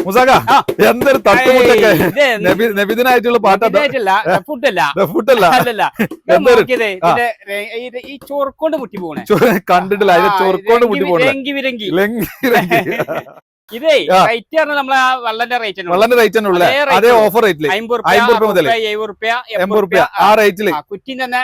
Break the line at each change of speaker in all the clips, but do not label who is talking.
മുസാക എന്തൊരു തട്ടുമുട്ടൊക്കെ നബിദിനായിട്ടുള്ള പാട്ടല്ല ഫുഡല്ല
ഈ ചോർക്കൊണ്ട് മുട്ടി പോണേ
കണ്ടിട്ടില്ല അതിന്റെ ചോർക്കൊണ്ട് മുട്ടി പോണേ
ഇതേ റേറ്റ് പറഞ്ഞാൽ നമ്മളെ വള്ളന്റെ
റേറ്റ് തന്നെ ഉള്ളു അതേ ഓഫർ റേറ്റില് 50 മുതൽ 80 ആ റേറ്റില്
കുറ്റി തന്നെ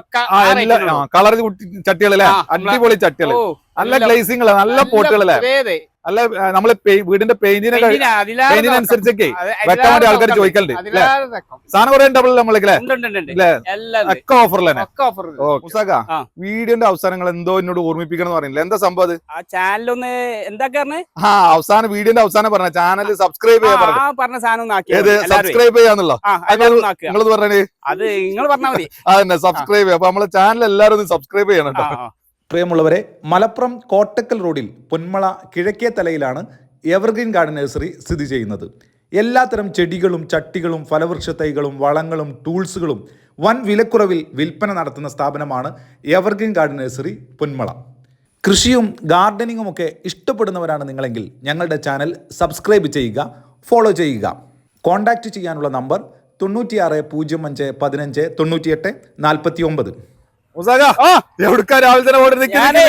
കളർ ചട്ടികളല്ലേ അടിപൊളി ചട്ടികള് നല്ല ഗ്ലേസിംഗ് നല്ല പോട്ടുകളല്ലേ അല്ല നമ്മള് വീടിന്റെ പെയിന്റിനനുസരിച്ചൊക്കെ വെക്കാൻ വേണ്ടി ആൾക്കാർ ചോദിക്കലുണ്ട് സാധനം കുറെ ഉണ്ടാവില്ല നമ്മളെ ഒക്കെ ഓഫറിലാണ് വീഡിയോന്റെ അവസാനങ്ങൾ എന്തോ എന്നോട് ഓർമ്മിപ്പിക്കണം എന്ന് പറയുന്നില്ല എന്താ സംഭവം അത്
ചാനലൊന്ന് എന്താ
അവസാനം വീഡിയോന്റെ അവസാനം പറഞ്ഞ ചാനൽ സബ്സ്ക്രൈബ്
പറഞ്ഞ സാധനം
സബ്സ്ക്രൈബ് ചെയ്യാന്നുള്ളോ നിങ്ങളത് പറഞ്ഞേ
അത് നിങ്ങൾ പറഞ്ഞാൽ മതി
അതന്നെ സബ്സ്ക്രൈബ് ചെയ്യാം അപ്പൊ നമ്മളെ ചാനൽ എല്ലാവരും ഒന്ന് സബ്സ്ക്രൈബ് ചെയ്യണം കേട്ടോ.
പ്രിയമുള്ളവരെ, മലപ്പുറം കോട്ടക്കൽ റോഡിൽ പൊന്മള കിഴക്കേ തലയിലാണ് എവർഗ്രീൻ ഗാർഡൻ നഴ്സറി സ്ഥിതി ചെയ്യുന്നത്. എല്ലാത്തരം ചെടികളും ചട്ടികളും ഫലവൃക്ഷ തൈകളും വളങ്ങളും ടൂൾസുകളും വൻ വിലക്കുറവിൽ വിൽപ്പന നടത്തുന്ന സ്ഥാപനമാണ് എവർഗ്രീൻ ഗാർഡൻ നഴ്സറി പൊന്മള. കൃഷിയും ഗാർഡനിങ്ങും ഒക്കെ ഇഷ്ടപ്പെടുന്നവരാണ് നിങ്ങളെങ്കിൽ ഞങ്ങളുടെ ചാനൽ സബ്സ്ക്രൈബ് ചെയ്യുക, ഫോളോ ചെയ്യുക. കോൺടാക്റ്റ് ചെയ്യാനുള്ള നമ്പർ 96 05 15 98 49.
എവിടുക്കാ രാവിലെ തന്നെ ഓടി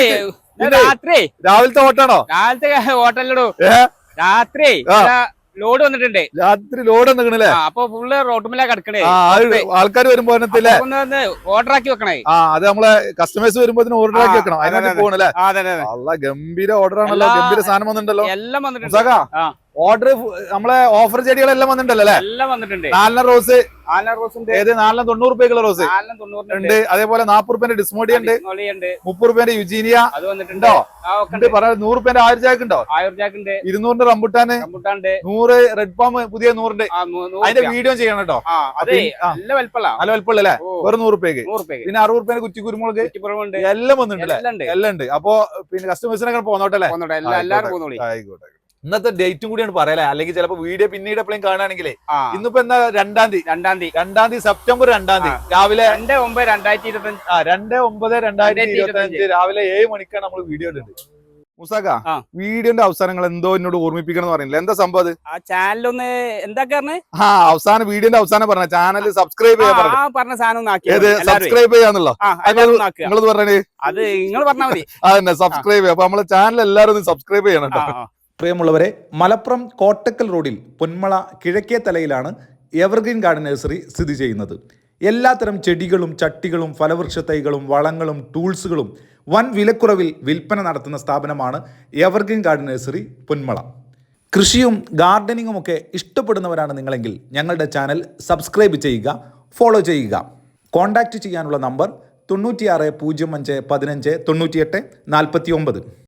രാവിലത്തെ ഓട്ടാണോ?
രാവിലത്തെ ഓട്ടല്ലോ രാത്രി ലോഡ് വന്നിട്ടുണ്ട്.
രാത്രി ലോഡ് വന്നില്ലേ?
അപ്പൊ ഫുള്ള് റോട്ടുമില്ല കിടക്കണേ.
ആൾക്കാർ വരുമ്പോ
ഓർഡർ ആക്കി വെക്കണേ.
അത് നമ്മളെ കസ്റ്റമേഴ്സ് വരുമ്പോ ഓർഡർ ആക്കി വെക്കണം. അതിനകത്ത് പോകണല്ലേ? അല്ല ഗംഭീര ഓർഡർ ആണല്ലോ, ഗംഭീര സാധനം വന്നിട്ടുണ്ടല്ലോ.
എല്ലാം വന്നിട്ടുണ്ട്.
ഓർഡർ നമ്മളെ ഓഫർ ചെടികളെല്ലാം വന്നിട്ടുണ്ടല്ലോ അല്ലേ?
എല്ലാം വന്നിട്ടുണ്ട്.
4 റോസ്
ഏത്
90 രൂപയ്ക്കുള്ള റോസ് ഉണ്ട്. അതേപോലെ 40 രൂപേന്റെ ഡിസ്മോഡിയ ഉണ്ട്, 30 രൂപേന്റെ യുജീനിയ
അത് വന്നിട്ടുണ്ടോ?
100 രൂപേന്റെ 1000 ചാക്ക് ഉണ്ടോ? 200 റംബുട്ടാന്, 100 റെഡ് പാം പുതിയ 100 അതിന്റെ വീഡിയോ ചെയ്യണം കേട്ടോ. നല്ല വലുപ്പമുള്ളല്ലേ? വെറും 100 രൂപയ്ക്ക്. പിന്നെ 60 രൂപേന്റെ കുറ്റി കുരുമുളക് എല്ലാം വന്നിട്ടുണ്ട്. എല്ലാം ഉണ്ട്. അപ്പൊ പിന്നെ കസ്റ്റമേഴ്സിനൊക്കെ പോന്നോട്ടല്ലേ? ആയിക്കോട്ടെ. ഇന്നത്തെ ഡേറ്റും കൂടിയാണ് പറയലേ, അല്ലെങ്കിൽ ചിലപ്പോ വീഡിയോ പിന്നീട് എപ്പോഴും കാണുകയാണെങ്കിലേ ഇന്നിപ്പോ എന്താ 2-ാം തീയതി സെപ്റ്റംബർ 2-ാം തീയതി രാവിലെ 2/9/2025 രാവിലെ 7 മണിക്കാണ് നമ്മൾ വീഡിയോ ഇടുന്നത്. മുസാക വീഡിയോന്റെ അവസാനങ്ങൾ എന്തോ എന്നോട് ഓർമ്മിപ്പിക്കണം എന്ന് പറയുന്നില്ല എന്താ സംഭവം അത്?
ചാനലൊന്ന് എന്താ
അവസാനം വീഡിയോന്റെ അവസാനം പറഞ്ഞ ചാനൽ സബ്സ്ക്രൈബ് ചെയ്യാൻ
പറഞ്ഞ സാധനം
സബ്സ്ക്രൈബ് ചെയ്യാന്നുള്ളോ നിങ്ങളത് പറഞ്ഞേ?
അത് നിങ്ങൾ പറഞ്ഞാൽ മതി.
അതന്നെ സബ്സ്ക്രൈബ് ചെയ്യാം. അപ്പൊ നമ്മളെ ചാനൽ എല്ലാവരും ഒന്ന് സബ്സ്ക്രൈബ് ചെയ്യണം കേട്ടോ.
പ്രിയമുള്ളവരെ, മലപ്പുറം കോട്ടക്കൽ റോഡിൽ പൊന്മള കിഴക്കേ തലയിലാണ് എവർഗ്രീൻ ഗാർഡൻ നഴ്സറി സ്ഥിതി ചെയ്യുന്നത്. എല്ലാത്തരം ചെടികളും ചട്ടികളും ഫലവൃക്ഷ തൈകളും വളങ്ങളും ടൂൾസുകളും വൻ വിലക്കുറവിൽ വിൽപ്പന നടത്തുന്ന സ്ഥാപനമാണ് എവർഗ്രീൻ ഗാർഡൻ നഴ്സറി പൊന്മള. കൃഷിയും ഗാർഡനിങ്ങും ഒക്കെ ഇഷ്ടപ്പെടുന്നവരാണ് നിങ്ങളെങ്കിൽ ഞങ്ങളുടെ ചാനൽ സബ്സ്ക്രൈബ് ചെയ്യുക, ഫോളോ ചെയ്യുക. കോൺടാക്റ്റ് ചെയ്യാനുള്ള നമ്പർ 96 05 15 98 49.